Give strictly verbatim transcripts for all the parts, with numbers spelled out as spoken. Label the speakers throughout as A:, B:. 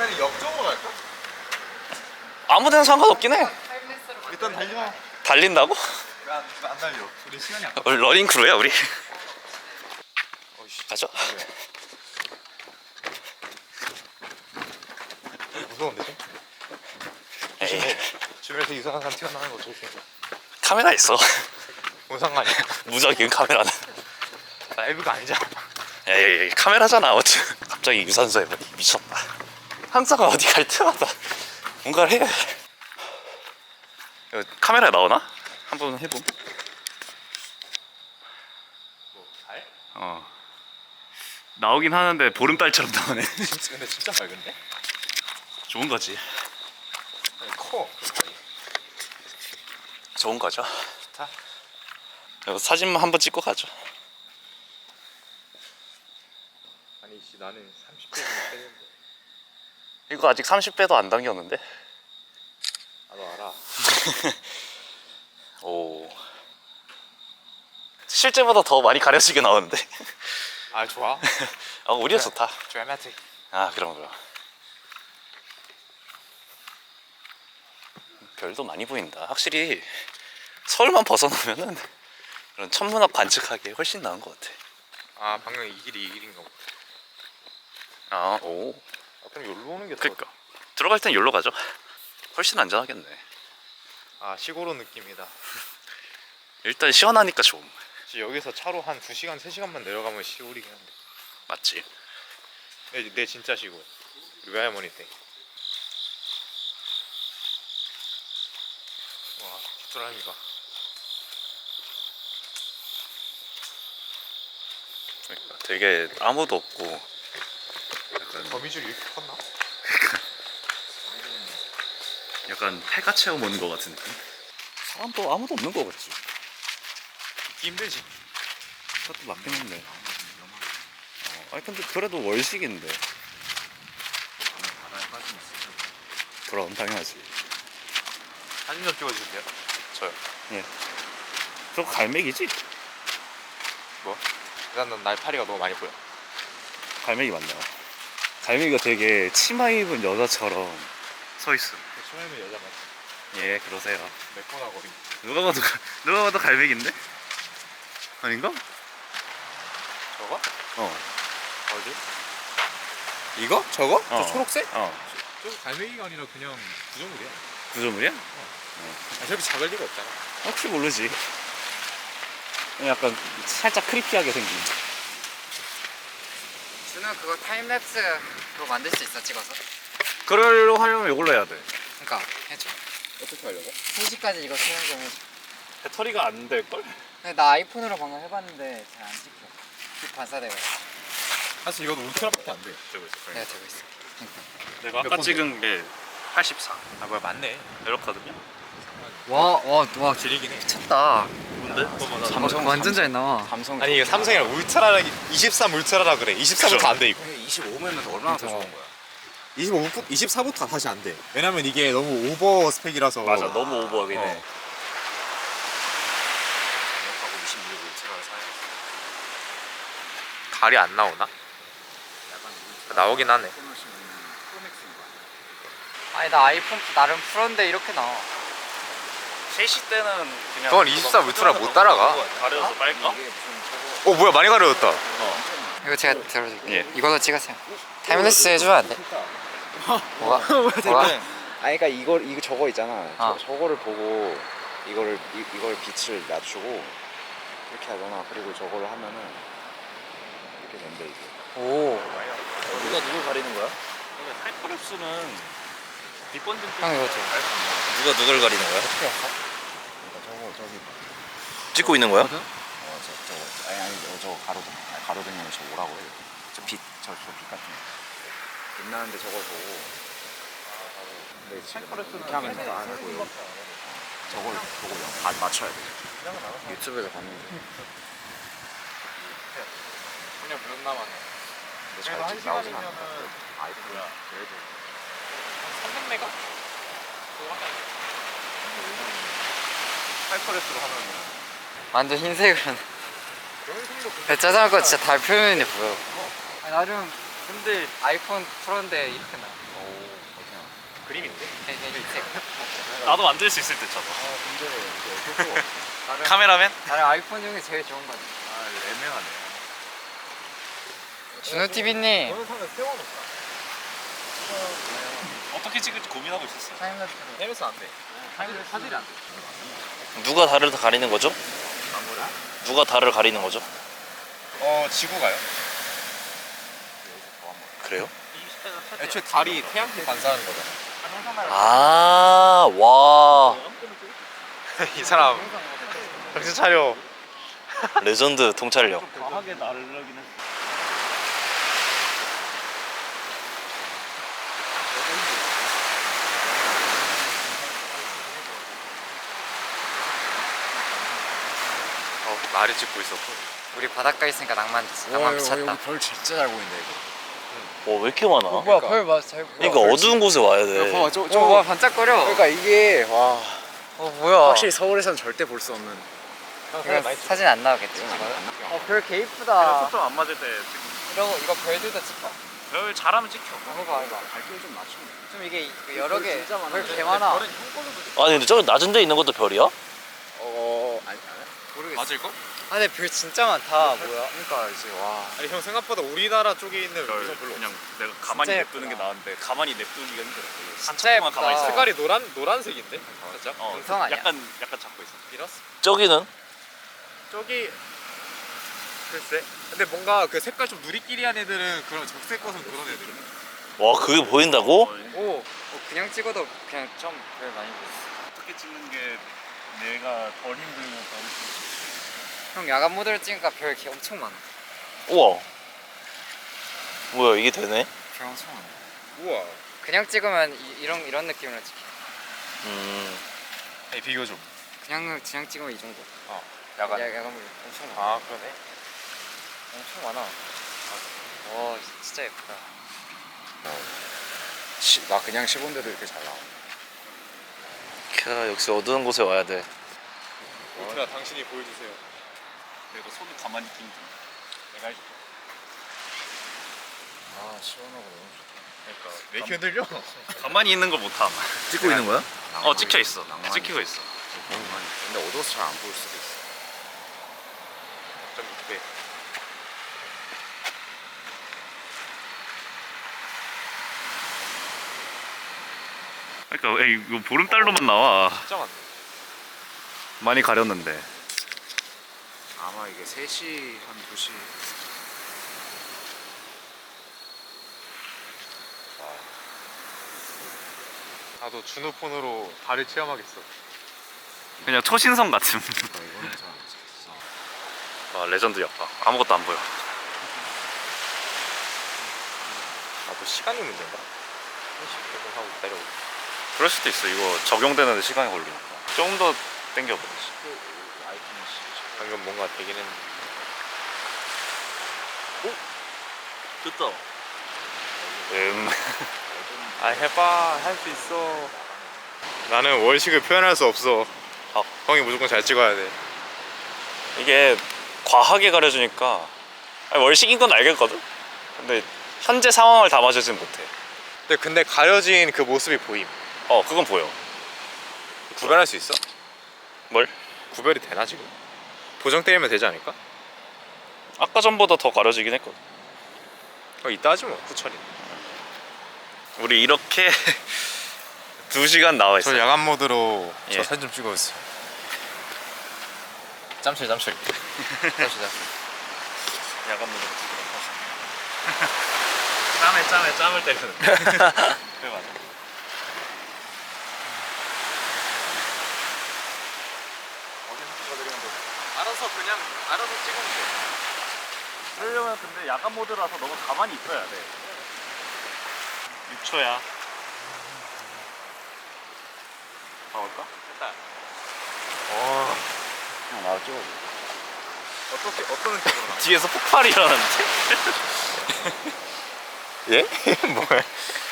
A: 그러면 역적으로 갈까?
B: 아무 데나 상관없긴 해.
A: 일단 달려.
B: 달린다고?
A: 왜안 안 달려? 우리 시간이 아까.
B: 우리 러닝 크루야 우리. 가죠.
A: 무서운데 좀?
B: 에이,
A: 주변에서 이상한 사람 튀어나오는 거 조심해.
B: 카메라 있어.
A: 뭔 상관이야?
B: 무적인 카메라는.
A: 라이브가 아니잖아.
B: 에이, 카메라잖아. 어째 갑자기 유산소에 뭐 미쳤다. 항상 어디 갈 때마다 뭔가를 해. 이거 카메라에 나오나? 한번 해봄.
A: 뭐 달?
B: 어. 나오긴 하는데 보름달처럼 나오네.
A: 진짜 근데 진짜 밝은데?
B: 좋은 거지.
A: 아니, 커.
B: 좋은 거죠.
A: 좋다.
B: 이거 사진만 한번 찍고 가죠.
A: 아니 씨 나는 삼십 대면 되는데.
B: 이거 아직 삼십 배도 안 당겼는데.
A: 나도 알아.
B: 오. 실제보다 더 많이 가려지게 나오는데.
A: 아 좋아.
B: 아, 우리가 좋다.
A: 드라마틱.
B: 아, 그럼 그럼. 별도 많이 보인다. 확실히 서울만 벗어나면은 그런 천문학 관측하기에 훨씬 나은 것 같아.
A: 아 방금 이 길이 이 길인가 보다.
B: 아, 오.
A: 아, 그럼 여기로 오는 게 더.
B: 그니까 들어갈 땐 여기로 가죠. 훨씬 안전하겠네.
A: 아 시골로 느낌이다.
B: 일단 시원하니까 좋음.
A: 지금 여기서 차로 한 두 시간 세 시간만 내려가면 시골이긴 한데.
B: 맞지?
A: 내, 내 진짜 시골. 우리 외할머니 때. 와 뒷사람이가.
B: 그러니까 되게 아무도 없고 약간,
A: 거미줄이 이렇게 컸나?
B: 약간 폐가 체험 오는 것 같은 느낌? 사람도 아무도 없는 거 같지?
A: 듣기 힘들지.
B: 그것도 맞긴 한데. 어, 아니 근데 그래도 월식인데. 그럼 당연하지.
A: 사진 좀 찍어주세요. 저요.
B: 예. 저거 갈매기지?
A: 뭐? 일단 난 날파리가 너무 많이 보여.
B: 갈매기 맞나? 갈매기가 되게 치마 입은 여자처럼 서 있어.
A: 처음에는 여자 맞지?
B: 예, 그러세요.
A: 매끈하고.
B: 누가 봐도 가- 누가 봐도 갈매기인데? 아닌가?
A: 저거?
B: 어.
A: 어디? 이거? 저거?
B: 어.
A: 저 초록색?
B: 어.
A: 저거 갈매기가 아니라 그냥 구조물이야.
B: 구조물이야?
A: 아, 저렇게 작을 리가 없잖아.
B: 혹시 모르지. 약간 살짝 크리피하게 생긴.
C: 준우 그거 타임랩스 그거 만들 수 있어 찍어서?
B: 그걸로 하려면 이걸로 해야 돼.
C: 그니까 해줘.
A: 어떻게 하려고?
C: 세 시까지 이거 사용 좀 해줘.
B: 배터리가 안 될걸?
C: 근데 나 아이폰으로 방금 해봤는데 잘 안 찍혀. 빛 반사되고 있어.
A: 사실 이것도 울트라밖에 안 돼.
B: 되고 있어.
C: 내가 되고 있어.
B: 내가 아까
A: 번
B: 찍은 게 팔십사.
A: 아 뭐야 맞네.
B: 이렇거든요.
C: 와, 와, 와,
A: 지리긴 해.
C: 미쳤다.
B: 뭔데?
C: 삼성 완전 잘 나와.
B: 삼성.
A: 아니 이게 삼성이랑 울트라라 이십삼 울트라라 그래. 이십사부터 안 돼 이거.
B: 이십오면 얼마나 더 좋은 거야?
A: 이십오, 이십사부터 다시 안 돼. 왜냐면 이게 너무 오버 스펙이라서.
B: 맞아, 너무 오버하긴 해.
A: 어. 갈이 안 나오나? 나오긴 하네.
C: 아니 나 아이폰 나름 프로인데 이렇게 나와.
B: 세 시 때는 그냥
A: 그건 이십삼 울트라 못 따라가.
B: 가려서 빨까?
A: 어 뭐야 많이 가려졌다.
C: 이거 제가 들어줄게.
B: 예.
C: 이걸로 찍으세요. 타임랩스 해주면 안 돼? 뭐가? 뭐가?
D: 아니 그러니까 이걸 이거 저거 있잖아.
C: 아.
D: 저, 저거를 보고 이거를 이, 이걸 빛을 낮추고 이렇게 하거나 그리고 저거를 하면은 이렇게 된대 이게.
C: 오.
B: 누가 누굴 가리는 거야? 하이퍼랩스는 뒷번진
C: 형 이거 줘.
B: 누가 누굴 가리는 거야?
C: 어떻게 했어?
D: 그러니까 저거 저기
B: 찍고 있는 거야?
D: 어 저 저거 아니 아니 저, 저 가로등 아니, 가로등이면 저 뭐라고 해요? 저빛저저 빛 같은 거. 빛나는데 저걸 보고. 근데 지금 이렇게 하면 잘 안 하고요. 저걸 보고 영- 다 맞춰야 돼. 유튜브에서 봤는데.
A: 그냥 몇 남았네.
D: 근데 잘 찍- 나오진 않아. 아이폰이야. 그래도
A: 삼백 메가? 하이퍼레스로 하면
C: 완전 흰색으로.
A: 그런 생각
C: 배짜장 거 진짜 달 표면이 보여. 아니, 나름 근데 아이폰 프로인데 이렇게 나.
A: 그림인데?
B: 나도 만들 수 있을 듯 저거.
D: 아 근데 이게 다른
B: 카메라맨?
C: 다른 아이폰 중에 제일 좋은 거지.
D: 아 애매하네.
C: 준호티비님
A: 동영상을 세워놓자.
B: 어떻게 찍을지 고민하고 있었어요.
C: 타임랩스로.
A: 내면서 안 돼.
D: 사진이 안 돼.
B: 누가 달을 가리는 거죠? 누가 달을 가리는 거죠?
A: 어 지구가요?
B: 그래요?
A: 애초에 달이 태양빛 반사하는 거잖아.
B: 아, 와.
A: 이 사람 정신 차려.
B: 레전드 통찰력.
D: 과하게 나르긴 했어.
A: 어 말이 찍고 있었고.
C: 우리 바닷가에 있으니까 낭만 낭만 미쳤다.
D: 별 진짜 잘 보인다 이거.
B: 와, 왜 이렇게 많아?
C: 뭐야 별 맞아 잘 보여.
B: 그러니까 어두운 곳에 와야 돼.
A: 봐봐 저,
C: 저
A: 저
C: 뭐야 반짝거려.
A: 그러니까 이게 와
C: 어 뭐야.
A: 확실히 서울에선 절대 볼 수 없는.
C: 이거 사진 안 나오겠지. 어별 개 이쁘다.
B: 안 맞을 때
C: 이런 거 이거 별들도 찍어.
B: 별 잘하면 찍혀.
C: 해봐 해봐.
D: 밝기를 좀 낮추면 돼.
C: 좀 이게 이거 여러 개. 별 개 많아.
B: 아니 근데 저기 낮은 데 있는 것도 별이야?
A: 어
D: 아니
C: 모르겠어.
A: 맞을 거?
C: 아 근데 별 진짜 많다. 뭐야?
A: 그러니까 이제 와. 아니 형 생각보다 우리나라 쪽에 있는 별 별로.
B: 그냥 내가 가만히
C: 진짜
B: 냅두는 게
C: 예쁘다.
B: 나았는데 가만히 냅두기가 힘들어.
C: 진짜 예쁘다.
B: 가만히 있어.
A: 색깔이 노란 노란색인데 살짝.
B: 어,
C: 음성 아니야?
B: 약간 약간 잡고 있어.
A: 이랬어.
B: 저기는
A: 저기 글쎄. 근데 뭔가 그 색깔 좀 누리끼리한 애들은 그런 적색 것은 그런 애들.
B: 와 그게 보인다고?
C: 오. 어, 그냥 찍어도 그냥 좀 별 많이 보였어.
B: 어떻게 찍는 게 내가 덜 힘들면 덜
C: 형 야간 모드로 찍으니까 별 개 엄청 많아.
B: 우와. 뭐야 이게 되네?
C: 별 엄청 많아.
A: 우와.
C: 그냥 찍으면 이, 이런 이런 느낌으로 찍혀.
B: 음.
A: 아니 비교 좀.
C: 그냥 그냥 찍으면 이 정도.
A: 어. 야간.
C: 야, 야간 모드 엄청 많아.
A: 아 그러네.
C: 엄청 많아. 와 진짜 예쁘다.
D: 시, 나 그냥 씹은데도 이렇게 잘 나와.
B: 캬 역시 어두운 곳에 와야 돼.
A: 오트라 당신이 보여주세요.
B: 내가 손을 가만히 있기 힘들어. 내가 해줄게.
D: 아 시원하고 너무 좋다.
B: 그러니까
A: 왜 이렇게 흔들려?
B: 가만히 있는 걸 못함.
D: 찍고 있는 거야?
B: 어 찍혀 있어. 찍히고 있어.
D: 근데 어두워서 잘 안 보일 수도 있어.
A: 좀 네.
B: 그러니까 에이, 이거 보름달로만 나와.
A: 진짜 많네.
B: 많이 가렸는데.
D: 아마 이게 세 시 한 두 시.
A: 나도 준우 폰으로 달을 체험하겠어.
B: 그냥 초신성 같은.
D: 아, 이거는 잘 안 찍혔어.
B: 아 레전드 역파. 아무것도 안 보여.
A: 나도 시간이 문제인가? 삼십 분 하고 기다려고.
B: 그럴 수도 있어. 이거 적용되는 데 시간이 걸리니까. 조금 더 당겨보지.
D: 아이폰이 씨.
A: 방금 뭔가 되긴 했는데.
B: 됐다. 음.
A: 아 해봐 할 수 있어. 나는 월식을 표현할 수 없어.
B: 아.
A: 형이 무조건 잘 찍어야 돼.
B: 이게 과하게 가려주니까 아니, 월식인 건 알겠거든? 근데 현재 상황을 담아주진 못해.
A: 근데 근데 가려진 그 모습이 보임.
B: 어 그건 보여.
A: 구별할 수 있어?
B: 뭘?
A: 구별이 되나 지금? 보정 때리면 되지 않을까?
B: 아까 전보다 더 가려지긴 했거든.
A: 어 이따 하지 뭐 후천이.
B: 우리 이렇게 두 시간 나와 있어.
A: 저 야간 모드로
B: 예.
A: 저 사진 좀 찍어주세요. 짬칠 짬칠. 짬칠 짬칠.
B: 야간 모드로 짬에 짬에 짬을 때리는. 그래 맞아.
A: 알아서 그냥 알아서 찍으면 돼.
B: 그러려면 근데 야간 모드라서 너무 가만히 있어야 돼. 육 초야. 가볼까?
A: 됐다. 어
D: 형 나도 찍어줘.
A: 어떻게 어떤 느낌으로 나?
B: 뒤에서 폭발이 일어났는데?
A: 예? 뭐야?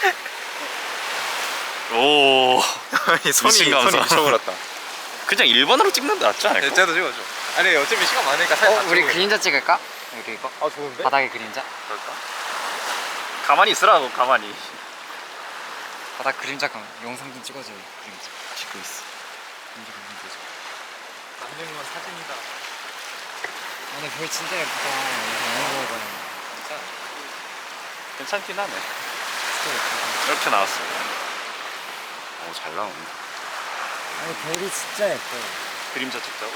B: 오.
A: 아니 손이
B: 미친 감성.
A: 손이 미쳐버렸다.
B: 그냥 일 번으로 찍는 게 낫지 않을까?
A: 네, 쟤도 찍어줘. 아니 어차피 시간 많으니까 사진
C: 어
A: 다
C: 우리
A: 찍어.
C: 그림자 찍을까? 여기 이거
A: 아 좋은데?
C: 바닥에 그림자.
B: 그럴까? 가만히 있으라고 가만히.
C: 바다 그림자 감 영상 좀 찍어줘요. 그림자 찍고 있어. 그림자 감좀 보자.
A: 남는 건 사진이다.
C: 오늘 별 진짜 예쁘다. 영상 너무 봐요.
A: 진짜.
B: 괜찮긴 하네.
C: 진짜 예쁘다.
B: 이렇게 나왔어.
D: 어, 잘 나오네.
C: 아니 별이 진짜 예뻐.
B: 그림자 찍자고?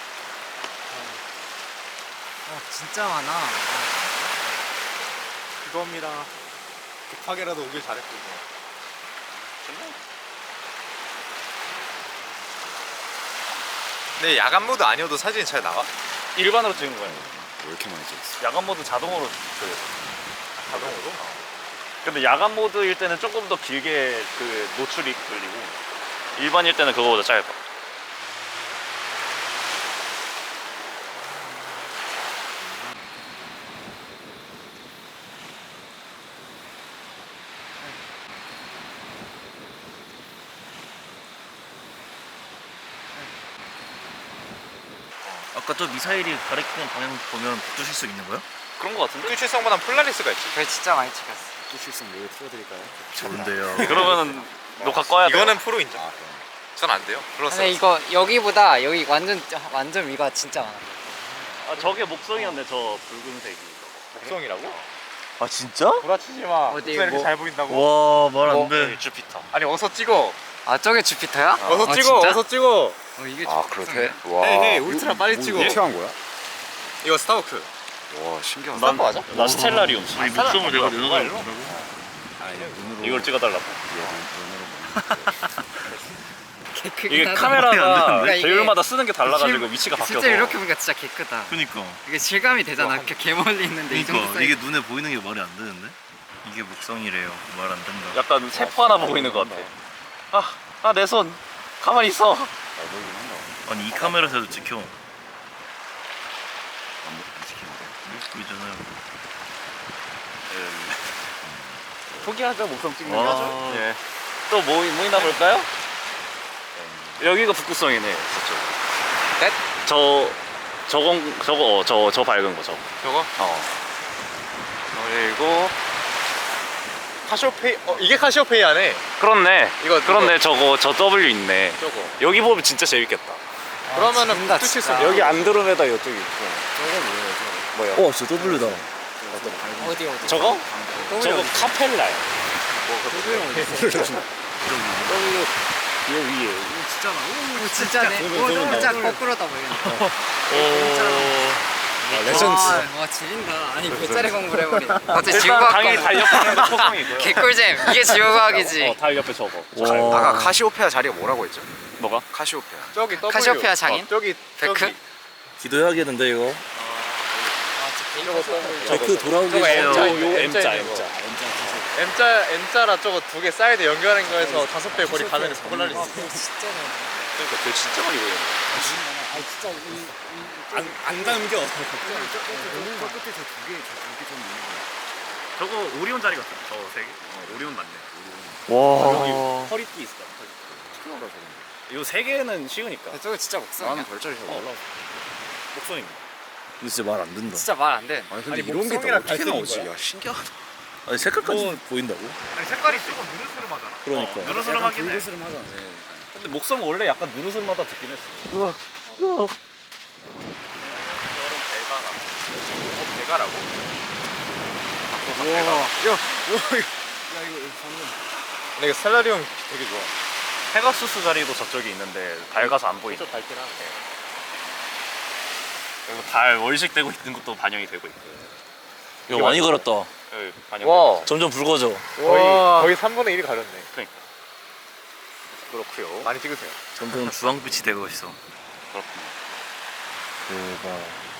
C: 아 진짜 많아. 아,
A: 그겁니다. 급하게라도 오길 잘했군요. 근데 야간 모드 아니어도 사진이 잘 나와?
B: 일반으로 찍은 거야.
D: 왜 이렇게 많이 찍었어?
B: 야간 모드 자동으로 그
A: 자동으로?
B: 근데 야간 모드일 때는 조금 더 길게 그 노출이 걸리고 일반일 때는 그거보다 짧아.
E: 아까 저 미사일이 가리키는 방향 보면 붙으실 수 있는 거야?
B: 그런 거 같은데?
A: 뚜실성보단 폴라리스가 있지.
C: 별 진짜 많이 찍었어.
D: 또 실성 여기 틀어드릴까요?
E: 좋은데요.
B: 그러면은 녹화 꺼야 돼.
A: 이거는 프로 인정.
D: 아, 그럼.
A: 전 안 돼요. 플러스.
C: 근데 이거 여기보다 여기 완전 완전 위가 진짜 많아.
B: 아 저게 목성이었네. 저 붉은색이.
A: 목성이라고?
E: 아 진짜?
A: 구라치지 마.
C: 어디,
A: 목성 이렇게
C: 뭐-
A: 잘 보인다고?
E: 와 말
C: 뭐-
E: 안 돼.
B: 여기 주피터.
A: 아니 어서 찍어.
C: 아 저게 주피터야?
A: 어서
C: 아,
A: 찍어.
C: 진짜?
A: 어서 찍어.
C: 어 이게
D: 아,
C: 주피터네.
D: 그렇대? 와.
A: 헤이, 헤이, 울트라 빨리 찍어.
D: 어떻게 한 거야?
A: 이거 스타워크.
D: 와, 신기하다.
B: 난,
A: 맞아?
B: 나 스텔라리움.
E: 아니 목숨을 내가 내놔달라고.
D: 아니, 눈으로.
B: 이걸 찍어달라고.
C: 개 크긴
B: 이게
C: 하다.
B: 카메라가
C: 그러니까 이게
B: 배율마다 쓰는 게 달라가지고
C: 실-
B: 위치가 바뀌어서.
C: 실제 이렇게 보니까 진짜 개 크다.
E: 그니까.
C: 이게 실감이 되잖아. 이렇게 개 멀리 있는데 이 정도
E: 그니까
C: 사이즈.
E: 이게 눈에 보이는 게 말이 안 되는데? 이게 목성이래요. 말 안 된다.
B: 약간 세포 하나 보고 있는 것 같아. 아, 아 내 손. 가만히 있어.
D: 잘 보이긴 한다.
E: 아니 이 카메라에서도 찍혀.
D: 안 찍히는데.
E: 보이잖아요.
B: 포기하자 목성 찍는
E: 와.
B: 거죠. 예. 또뭐 뭐 있나 볼까요? 여기가 북극성이네. 저쪽.
A: 넷?
B: 저 저건 저거 어, 저 저 밝은 거 저거.
A: 저거?
B: 어.
A: 그리고 카시오페이. 어 이게 카시오페이아네.
B: 그렇네.
A: 이거
B: 그렇네. 저거 저 W 있네.
A: 저거.
B: 여기 보면 진짜 재밌겠다.
A: 그러면은
C: 진다,
A: 뚜실
C: 진짜.
A: 수.
B: 여기 안드로메다 이쪽이 있고. 뭐야?
E: 어 진짜 W다.
C: 어디 어디?
B: 저거?
C: W
B: 저거
C: 어디?
B: 카펠라야.
C: W
B: 얘 위에.
C: 진짜 많아. 오 진짜네. 오 진짜 거꾸로다 보이네.
B: 오.
C: 레전드. 와 지린다. 아니 배짜리 공부를 해버리네. 어째
B: 일단
C: 지구과학
B: 당연히
C: 공부.
B: 달력하는 거 초성이고요.
C: 개꿀잼. 이게 지구과학이지.
B: 어, 달 옆에 저거.
E: 와.
D: 아까 카시오페아 자리가 뭐라고 했죠?
B: 뭐가?
D: 카시오페아.
A: 저기 W.
C: 카시오페아 장인?
A: 어, 저기
C: 베크?
A: 저기.
E: 기도해야겠는데 이거.
A: 저거 W.
E: 데크 돌아오기
A: 저거
E: 전에.
A: M자,
B: 요
A: M자,
B: M자,
A: M자.
B: M자.
A: M자 M자라 저거 두 개 사이드 연결하는 거에서 다섯 배 거리 가면은 폴라리스.
C: 진짜 많아.
B: 그러니까 별 진짜 많이 보여.
C: 아 진짜 이
E: 안, 안 담겨.
B: 저거 오리온 자리 같아. 저세 개. 어, 오리온 맞네.
E: 와.
B: 허리띠 있어. 이거 세 개는 쉬우니까.
C: 저거 진짜 목성.
D: 나는 별자리 잘 몰라.
B: 목성입니다.
E: 이거 진짜 말 안 된다.
C: 진짜 말 안 돼.
D: 아니, 근데
A: 아니,
D: 이런 게
A: 목성이랑
D: 어떻게
A: 갈색인
D: 나오지?
A: 거야?
D: 야, 신기하다.
E: 아니 색깔까지 보인다고?
A: 아니 색깔이 조금 누르스름하잖아.
E: 그러니까.
B: 누르스름하긴 해.
D: 불그스름하잖아.
B: 근데 목성은 원래 약간 누르스름하다 듣긴 했어.
A: 여름 배가라. 어 배가라고?
C: 우와.
A: 야, 근데 이거 셀라리움 되게 좋아.
B: 페가수스 자리도 저쪽에 있는데 밝아서 안 보이네.
A: 좀 밝긴 하네.
B: 그리고 달 월식되고 있는 것도 반영이 되고 있고.
E: 이거 많이 걸었다.
B: 여기 반영.
A: 와.
E: 점점 붉어져.
A: 거의
C: 와.
A: 거의 삼분의 일이 가렸네.
B: 그러니까. 그렇고요.
A: 많이 찍으세요.
E: 점점 주황빛이 되고 있어.
B: 그렇군요.
E: 대박.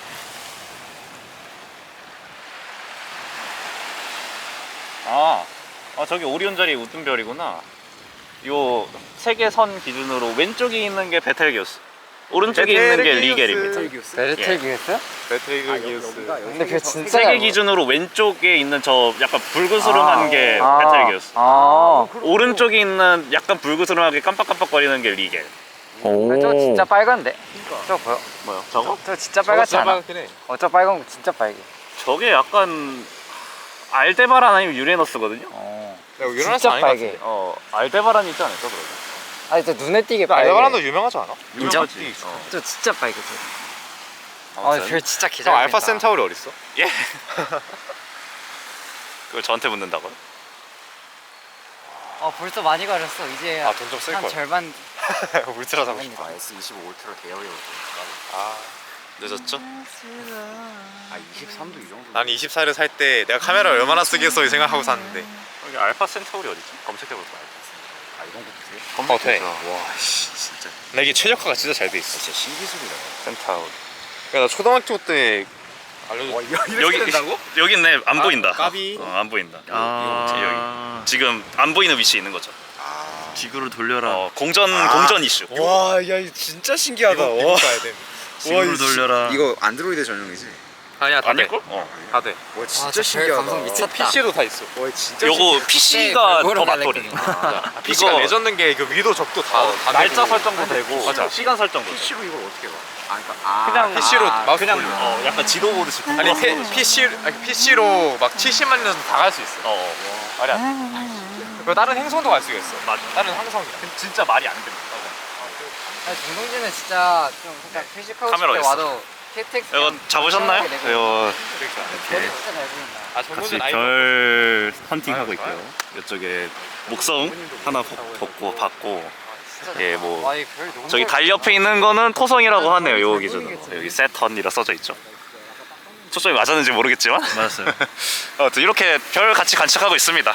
B: 아, 아 저기 오리온 자리 웃든 별이구나. 요 세계 선 기준으로 왼쪽에 있는 게 베텔기우스, 오른쪽에 있는 게 리겔입니다.
C: 베르텔기우스?
A: 베트리그기우스.
C: 근데 그 진짜
B: 세계 기준으로 왼쪽에 있는 저 약간 불그스름한 게
C: 아.
B: 베텔기우스.
C: 아.
B: 오른쪽에 있는 약간 불그스름하게 깜빡깜빡거리는 게 리겔.
E: 오.
C: 저거 진짜 빨간데? 저거 보여?
B: 뭐요? 저거?
C: 저거 진짜 빨갛지 않아?
A: 빨갛긴 해.
C: 어, 저 빨간 거 진짜 빨개.
B: 저게 약간 알데바란 아니면 유레너스거든요.
C: 어.
A: 내가 유명한
C: 진짜
A: 사람 아닌 것
C: 빨개.
A: 같은데.
B: 어 알데바란 있지 않을까 그러면?
C: 아니 또 눈에 띄게 빨개.
A: 알바란도 유명하지 않아?
C: 인정?
B: 유명하지. 어.
C: 저 진짜 빨개. 아,
B: 아무튼.
C: 별 진짜
A: 형
C: 개잘.
A: 알파 센타우리 어딨어?
B: 예. 그걸 저한테 묻는다고요?
C: 어 벌써 많이 가렸어. 이제
A: 아, 돈좀 쓸
C: 한
A: 걸.
C: 절반.
A: 울트라 사고 싶어.
D: 아 에스 이십오 울트라 대여유.
A: 아,
B: 늦었죠?
D: 아 이십삼도 이 정도.
A: 난 이십사를 살 때 내가 카메라를 얼마나 쓰겠어 이 생각하고 샀는데.
B: 여기 알파 센타우리 어디지? 검색해볼까요?
D: 아 이런 것도 돼?
A: 어, 돼.
D: 와씨 진짜
A: 근데 이게 최적화가 진짜 잘 돼 있어.
D: 진짜 신기술이다.
B: 센타우리.
A: 그러니까 나 초등학교 때 알려줬.
B: 여기 여기 있네. 안
A: 아,
B: 보인다.
A: 까비.
B: 어, 안 보인다.
E: 아,
B: 지금 안 보이는 위치에 있는 거죠.
E: 지구를 돌려라.
B: 어, 공전 공전 이슈.
A: 와, 야, 이거 진짜 신기하다.
D: 이거- 이거
A: 와,
D: 봐야 돼.
E: 지구를 돌려라.
D: 이거 안드로이드 전용이지?
A: 아니야, 다 돼.
B: 아닐걸? 어.
A: 다 돼.
D: 와
C: 아,
D: 진짜
C: 저
D: 신기하다.
C: 감성 미쳤다.
A: 피씨도 다 있어.
D: 와 진짜
B: 요거 피씨가 더
C: 별거로
B: 맞돌이.
A: 아, 피씨가 레전드인 게 그 위도 적도 다,
B: 어,
A: 다
B: 날짜
A: 되고.
B: 설정도 되고
A: 맞아.
B: 시간 설정도 되고.
D: 피씨로 이걸 어떻게 봐? 아 그러니까 아
B: 그냥
A: 피씨로
D: 아,
A: 마우스
B: 그냥
A: 돌려.
B: 어, 약간 지도 보듯이
A: 아니 피, PC, 아니, 피씨로 막 칠십만 년 다 갈 수 있어.
B: 어, 어.
A: 말이 안 돼. 그리고 다른 행성도 갈 수가 있어.
B: 맞아.
A: 다른 항성이야.
B: 진짜 말이 안 됩니다.
C: 아니 정동진은 진짜 좀 그냥 회식하고
B: 카메라
C: 싶을 때
B: 있어.
C: 와도 케이티엑스.
B: 이거 잡으셨나요? 이거
C: 별이 진짜 잘 보인다.
A: 아,
B: 같이
A: 정도는 아니.
B: 별 헌팅 하고 있고요. 이쪽에 목성 하나 벗- 벗고 받고 예, 뭐
C: 와, 이 별이 너무
B: 저기
C: 잘
B: 달 옆에 있는 거는 토성이라고 하네요. 요 기준으로 여기 세턴이라 써져 있죠. 초점이 맞았는지 모르겠지만
E: 맞았어요.
B: 아무튼 이렇게 별 같이 관측하고 있습니다.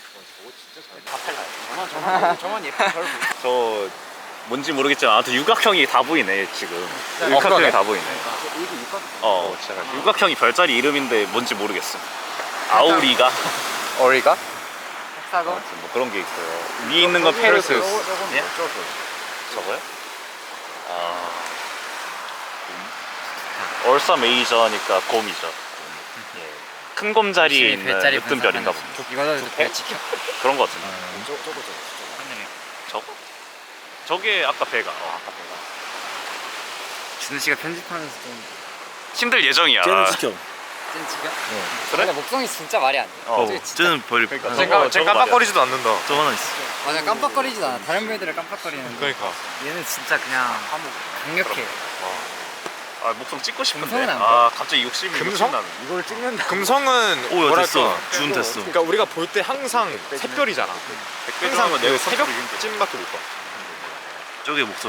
D: 저만 예쁜 별
B: 저 뭔지 모르겠지만 아무튼 육각형이 다 보이네 지금.
A: 그러네.
B: 육각형이 다 보이네.
D: 여기도 육각
B: 어, 육각형이 별자리 이름인데 뭔지 모르겠어. 아우리가
A: 어리가?
C: 헥사곤.
B: 아무튼 뭐 그런 게 있고요. 위에 있는 건 페르세우스. 예?
D: 저거
B: 저거요? 아, 얼사 메이저니까 곰이죠. 예. 큰 곰 자리에 있는
C: 별자리
B: 으뜸 별인가 보네.
C: 이거는 별 지켜.
B: 그런 거 같은데.
D: 저거 저거 저거
B: 저거? 저게 아까 배가. 어, 아까 배가.
C: 준우 씨가 편집하면서 좀
B: 힘들 예정이야.
E: 쟤는 지켜.
C: 찐 지겨?
B: 그래?
C: 근데 목성이 진짜 말이 안 돼.
B: 어.
C: 저기 진짜
E: 쟤는 벌이.
B: 그러니까.
E: 어,
B: 저거-
A: 쟤
B: 저거 말이야.
A: 깜빡거리지도 않는다.
E: 저 하나 있어.
C: 맞아 깜빡거리지도 않아. 다른 별들은 깜빡거리는데
A: 그러니까.
C: 얘는 진짜 그냥 강력해.
B: 아, 목성 찍고 싶은데.
C: 금성은 안
B: 아, 갑자기 욕심이
A: 금성?
B: 욕심나는.
D: 이걸 찍는다.
A: 금성은
E: 오, 야,
A: 뭐랄까.
E: 됐어. 준 됐어.
A: 그러니까 우리가 볼 때 항상 샛별이잖아. 항상 그 새벽쯤밖에 못 봐.
E: 저게 목성이.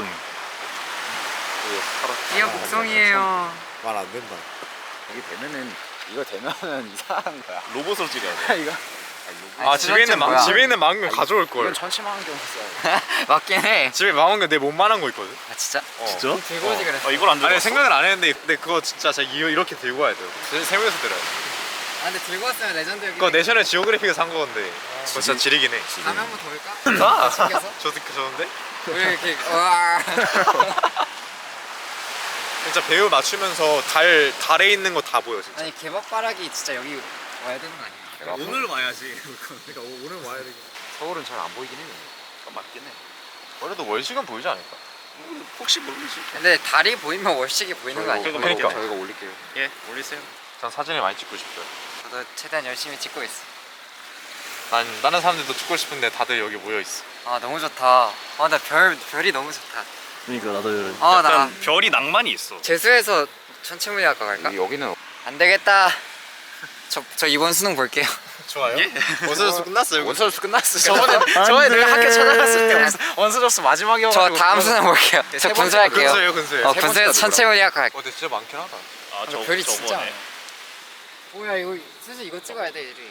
C: 이거 목성이에요.
A: 말 안 된다.
D: 이게 되면은 이거 되면은 이상한 거야.
B: 로봇으로 찍어야 돼.
C: 이거.
A: 아, 집에 있는 망
C: 뭐야?
A: 집에 있는 망원 가져올 걸.
D: 이건 천치만환경 써야 돼.
C: 맞긴 해.
A: 집에 망원경 내 몸만한 거 있거든.
C: 아 진짜?
A: 어.
E: 진짜?
C: 들고 오지 그랬어.
B: 어, 이걸 안 들고
A: 아니
B: 왔어?
A: 생각을 안 했는데 근데 그거 진짜 제가 이- 이렇게 들고 와야 돼요. 세- 세우면서 들어요.
C: 아 근데 들고 왔으면 레전드 여기.
A: 그거 내셔널 지오그래픽에서 산 거건데 그거 진짜 지리긴 해.
C: 다음에 한번 더 올까?
A: 아,
C: 챙겨서?
A: 저 듣기 좋은데?
C: 우리 이렇게 와.
A: 진짜 배우 맞추면서 달 달에 있는 거 다 보여 진짜.
C: 아니 개밥바라기 진짜 여기 와야 되는 거 아니야?
A: 오늘 와야지. 그러니까 오늘 와야 되겠.
D: 서울은 잘 안 보이긴 해.
B: 그건 맞긴 해.
A: 그래도 월식은 보이지 않을까?
B: 혹시 모르지.
C: 근데 달이 보이면 월식이 보이는 거 아니야?
B: 저희가
A: 그러니까.
D: 저희가 올릴게요.
B: 예, 올리세요.
A: 전 사진을 많이 찍고 싶어요.
C: 저도 최대한 열심히 찍고 있어.
A: 난 다른 사람들도 찍고 싶은데 다들 여기 모여 있어.
C: 아 너무 좋다. 아나 별 별이 너무 좋다.
E: 그러니까 나도 이런.
C: 아 나
B: 약간 별이 낭만이 있어.
C: 재수해서 천체물리학과 갈까?
D: 여기는
C: 안 되겠다. 저, 저 이번 수능 볼게요.
A: 좋아요. 원서수 끝났어요.
D: 원서수 끝났어.
A: 저번에
C: 저번에
E: 내가 학교 찾아갔을 때
C: 원서-
A: 원서수 마지막이어.
C: 저 다음 수능 볼게요. 저 군수할게요.
A: 근수예요, 근수예요.
C: 어
D: 세
C: 군수에서
D: 번째가
C: 천체물리학과 갈게요.
A: 어, 근데 진짜 많긴 하다.
B: 아, 저
C: 별이 진짜
B: 저거네.
C: 많아. 뭐야 이거 슬슬 이거 찍어야 돼 이리.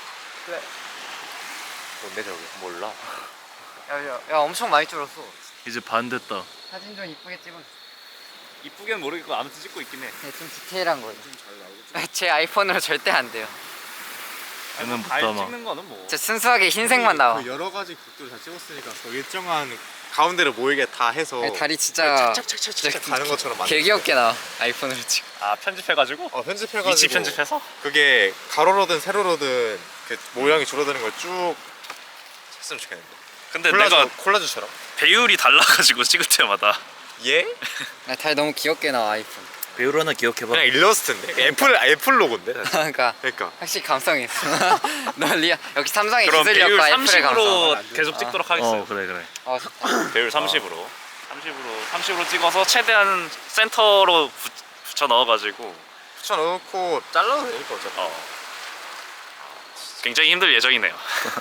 A: 뭔데 저기? 몰라.
C: 야, 야, 야 엄청 많이 줄었어.
E: 이제 반 됐다.
C: 사진 좀 이쁘게 찍어.
B: 이쁘게는 모르겠고 아무튼 찍고 있긴 해.
C: 네, 좀 디테일한 거예요. 제 아이폰으로 절대 안 돼요.
E: 얘는 못
B: 달
E: 담아.
B: 찍는 거는 뭐.
C: 제 순수하게 흰색만 나와.
A: 그 여러 가지 각도를 다 찍었으니까 그 일정한 가운데를 모이게 다 해서
C: 아니, 다리 진짜
A: 착착착착 가는 것처럼 만들.
C: 개 귀엽게 나와. 아이폰으로 찍.
B: 아, 편집해가지고?
A: 어, 편집해가지고
B: 위치 편집해서?
A: 그게 가로로든 세로로든 그 모양이 줄어드는 걸 쭉 했으면 좋겠는데.
B: 근데
A: 콜라주,
B: 내가
A: 콜라주처럼.
B: 배율이 달라가지고 찍을 때마다
A: 예?
C: 아, 달 너무 귀엽게 나와 아이폰.
E: 배우를 하나 기억해봐.
A: 그냥 일러스트인데 애플 애플 로고인데. 사실.
C: 그러니까
A: 그러니까
C: 확실히 감성이 있어. 널리야 역시 삼성의
B: 그럼 배율
C: 기술력과 애플의 감성.
B: 삼십으로 계속 찍도록 하겠어요.
E: 어 그래 그래.
C: 어 좋다.
B: 배율 삼십으로 삼십으로 삼십으로 찍어서 최대한 센터로 붙, 붙여 넣어가지고
A: 붙여 넣고 잘라도 되니까 어차피.
B: 어. 굉장히 힘들 예정이네요.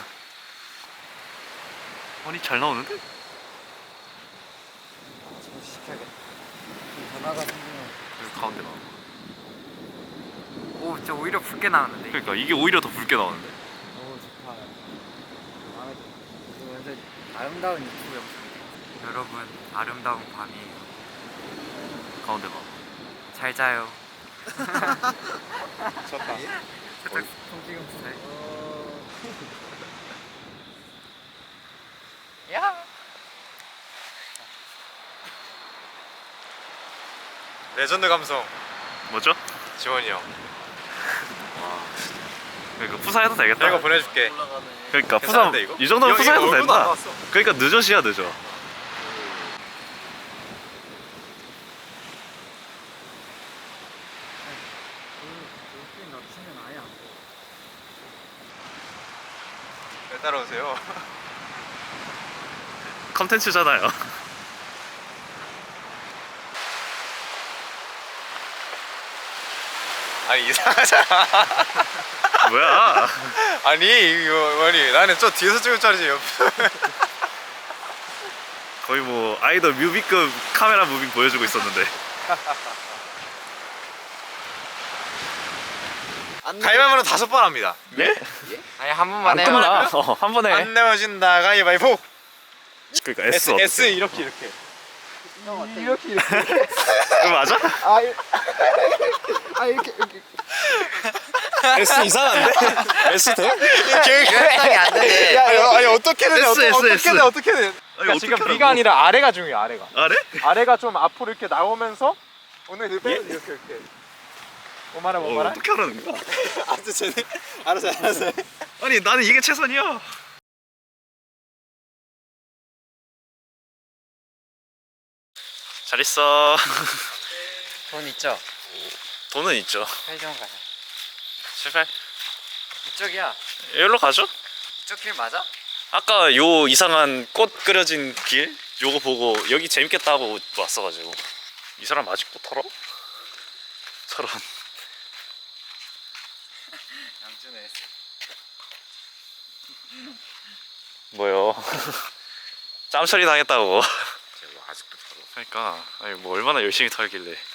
B: 아니 잘 나오는데?
C: 변화가 생기면.
B: 여기 가운데 나와.
C: 오, 진짜 오히려 붉게 나오는데.
B: 그러니까 이게 오히려 더 붉게 나오는데.
C: 오 좋다. 마음에 들어. 이거 완전 아름다운 유튜브 영상. 여러분 아름다운 밤이에요.
B: 가운데 봐.
C: 잘 자요.
A: 좋다.
C: 통지금 스타일. 야.
A: 레전드 감성
B: 뭐죠?
A: 지원이 형.
B: 그러니까 푸사해도 되겠다.
A: 내가 보내줄게.
B: 그러니까 푸사
A: 괜찮은데, 이거?
B: 이 정도면
A: 이거-
B: 푸사해도
A: 이거 얼굴도 안
B: 된다.
A: 나왔어.
B: 그러니까 늦어시야 늦어.
A: 왜 따라오세요?
B: 컨텐츠잖아요.
A: 아니 이상하잖아.
B: 뭐야?
A: 아니 이거 아니 나는 저 뒤에서 찍을 줄 알지. 옆.
B: 거의 뭐 아이돌 뮤비급 카메라 무빙 보여주고 있었는데.
A: 가위바위보는 다섯 번 합니다.
B: 예?
C: 아니 한 번만
B: 안
C: 해요.
B: 끝나. 어, 한 번에.
A: 안 내어진다 가위바위보.
B: 그러니까 S
A: S
B: 어떻게?
A: S 이렇게 이렇게. 이렇게 이렇게.
B: 그거 맞아?
A: 아, 이- 아 이렇게 이렇게.
B: S 이상한데? S 돼?
C: 유연성이 안 되네.
A: 야, 야, 아니 어떻게든
B: S,
A: 어떻게,
B: S,
A: 어떻게든
B: S.
A: 어떻게든.
B: 아니,
A: 그러니까 지금
B: 어떻게
A: B가
B: 하라고?
A: 아니라 아래가 중요해. 아래가.
B: 아래?
A: 아래가 좀 앞으로 이렇게 나오면서 오늘 이렇게 이렇게 이렇게. 뭐 말해 뭐
B: 어,
A: 말해?
B: 어떻게 하라는 거야?
A: 알았어 쟤네. 알았어 알았어.
B: 아니 나는 이게 최선이야. 잘 있어.
C: 돈 있죠?
B: 돈은 있죠.
C: 편의점 가자.
B: 제발.
C: 이쪽이야.
B: 여기로 가죠?
C: 이쪽 길 맞아?
B: 아까 요 이상한 꽃 그려진 길 요거 보고 여기 재밌겠다 하고 왔어가지고 이 사람 아직도 털어? 저런.
C: 양준에
B: 뭐요? 짬 처리 당했다고.
D: 제가 아직도 털어.
B: 그러니까 아니 뭐 얼마나 열심히 털길래.